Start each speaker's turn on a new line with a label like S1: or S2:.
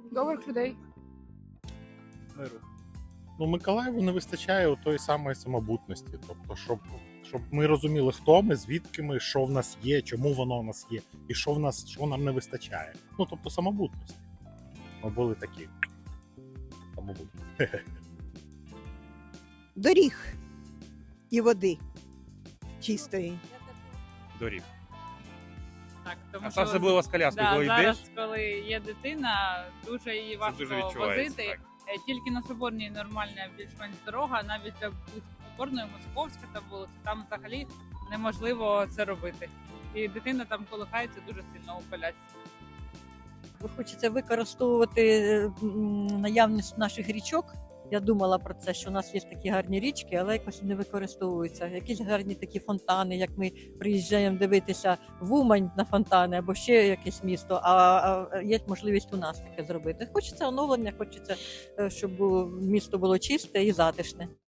S1: Добрих людей.
S2: Миру. Ну, Миколаєву не вистачає тої самої самобутності. Тобто, щоб ми розуміли, хто ми, звідки ми, що в нас є, чому воно в нас є, і що нам не вистачає. Ну, тобто, самобутності. Ми були такі. Самобутні.
S3: Доріг і води чистої.
S2: Доріг.
S4: Так, тому
S5: А
S4: що
S5: особливо з коляскою, коли
S4: зараз,
S5: йдеш,
S4: коли є дитина, дуже її важко
S5: дуже відчувається.
S4: возити.
S5: Так.
S4: Тільки на Соборній нормальна більш-менш дорога, навіть Соборною, Московська та вулиця, там взагалі неможливо це робити. І дитина там колихається дуже сильно у колясці.
S6: Хочеться використовувати наявність наших річок. Я думала про це, що у нас є такі гарні річки, але якось не використовуються. Якісь гарні такі фонтани, як ми приїжджаємо дивитися в Умань на фонтани або ще якесь місто, а є можливість у нас таке зробити. Хочеться оновлення, хочеться, щоб місто було чисте і затишне.